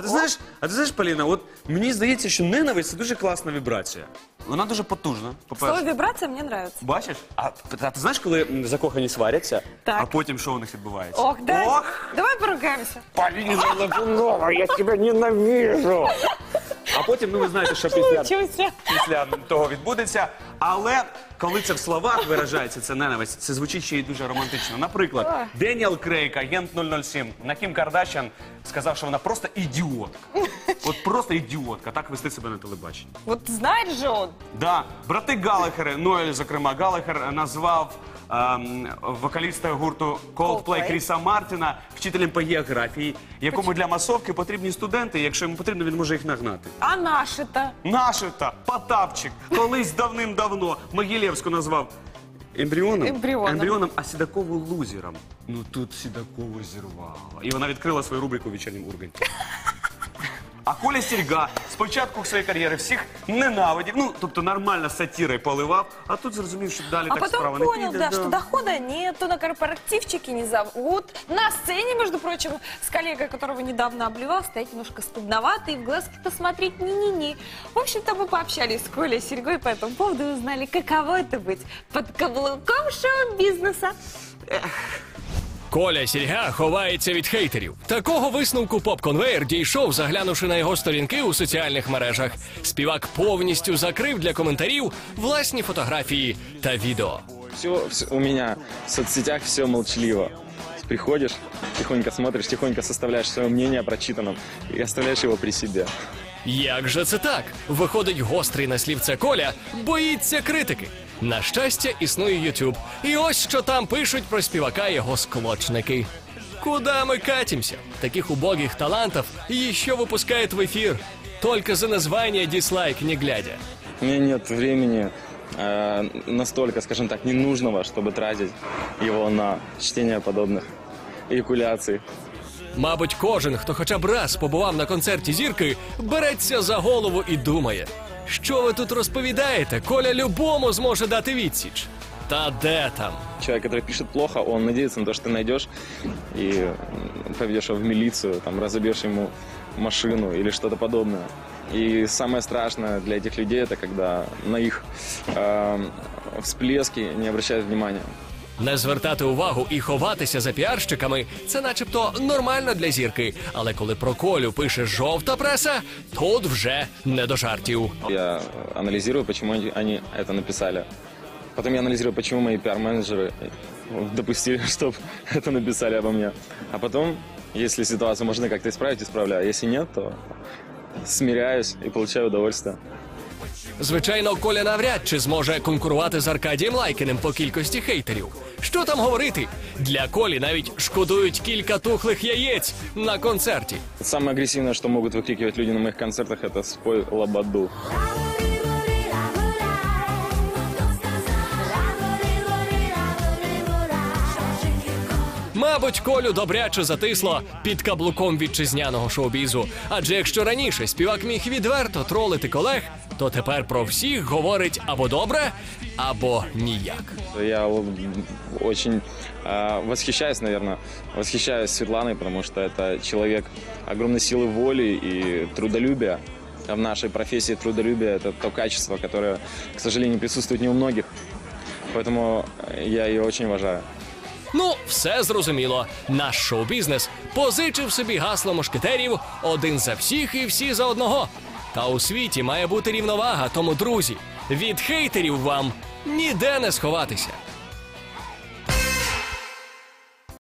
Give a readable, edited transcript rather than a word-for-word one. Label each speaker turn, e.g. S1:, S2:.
S1: ти знаєш, Поліна, от мені здається, що ненависть – це дуже класна вібрація. Вона дуже потужна, по-перше.
S2: Слово вибрация мне нравится.
S1: Бачиш? А ти знаєш, коли закохані сваряться,
S2: Так.
S1: а потім що у них відбувається?
S2: Ох, да.
S1: Ох!
S2: Давай поругаемся.
S1: Поліна Лапунова, я тебе ненавижу! А потім, ну ви знаєте, що після того відбудеться. Але коли це в словах виражається, це ненависть, це звучить ще й дуже романтично. Наприклад, Деніел Крейг, агент 007, на Кім Кардашян сказав, що вона просто ідіотка. От просто ідіотка, так вести себе на телебаченні.
S2: Вот знает же он.
S1: Да, брати Галлахери, Ноель, зокрема, Галлахер назвав вокаліста гурту Coldplay Кріса Мартіна вчителем по географії, якому для масовки потрібні студенти, якщо йому потрібно, він може їх нагнати.
S2: А наши-то?
S1: Наші-то, Потапчик, колись давним-давно Могилєвську назвав ембріоном, а Сідакову лузером. Ну тут Сідакову зірвало. І вона відкрила свою рубрику «Вечірнім Урганті». А Коля Сільга спочатку своєї кар'єри всіх ненавидів, ну, тобто нормально сатирою поливав, а тут зрозумів, що далі так справа не піде.
S2: А потом понял, да, что дохода нету, на корпоративчики не зовут. На сцене, между прочим, с коллегой, которого недавно обливал, стоять немножко стыдновато и в глазки-то смотреть не-не-не. В общем-то, мы пообщались с Колей Сельгой по этому поводу и узнали, каково это быть под каблуком шоу-бизнеса.
S3: Коля Сільга ховається від хейтерів. Такого висновку поп-конвейер дійшов, заглянувши на його сторінки у соціальних мережах. Співак повністю закрив для коментарів власні фотографії та відео.
S4: Все у меня в соцсетях все молчаливо. Приходишь, тихонько смотришь, тихонько составляешь свое мнение о прочитанном и оставляешь его при себе.
S3: Як же це так? Виходить, гострий на слівце Коля боїться критики. На щастя, існує YouTube. І ось що там пишуть про співака його склочники. Куда мы катимся? Таких убогих талантов еще выпускают в эфир. Только за название дизлайк не глядя.
S4: У меня нет времени настолько, скажем так, ненужного, чтобы тратить его на чтение подобных эякуляций.
S3: Мабуть, кожен, хто хоча б раз побував на концерті зірки, береться за голову і думає, що ви тут розповідаєте, Коля любому зможе дати відсіч. Та де там?
S4: Человек, который пишет плохо, он надеется на то, что ты найдешь и поведешь его в милицию, там, разобьешь ему машину или что-то подобное. И самое страшное для этих людей, это когда на их всплески не обращают внимания.
S3: Не звертати увагу і ховатися за піарщиками – це начебто нормально для зірки. Але коли про Колю пише жовта преса, тут вже не до жартів.
S4: Я анализирую, почему они это написали. Потом я анализирую, почему мои пиар-менеджеры допустили, чтобы это написали обо мне. А потом, если ситуацию можно как-то исправить, исправляю. Если нет, то смиряюсь и получаю удовольствие.
S3: Звичайно, Коля навряд чи зможе конкурувати з Аркадієм Лайкіним по кількості хейтерів. Що там говорити? Для Колі навіть шкодують кілька тухлих яєць на концерті.
S4: Самое агрессивное, что могут выкрикивать люди на моих концертах, это «Спой лободу».
S3: Мабуть, Колю добряче затисло під каблуком вітчизняного шоу-бізу. Адже якщо раніше співак міг відверто тролити колег, то тепер про всіх говорить або добре, або ніяк.
S4: Я очень восхищаюсь, наверное, Светланой, потому что это человек огромной силы воли и трудолюбия. В нашей профессии трудолюбие – это то качество, которое, к сожалению, присутствует не у многих. Поэтому я ее очень уважаю.
S3: Ну, все зрозуміло. Наш шоу-бізнес позичив собі гасло мушкетерів «Один за всіх і всі за одного». Та у світі має бути рівновага, тому, друзі, від хейтерів вам ніде не сховатися.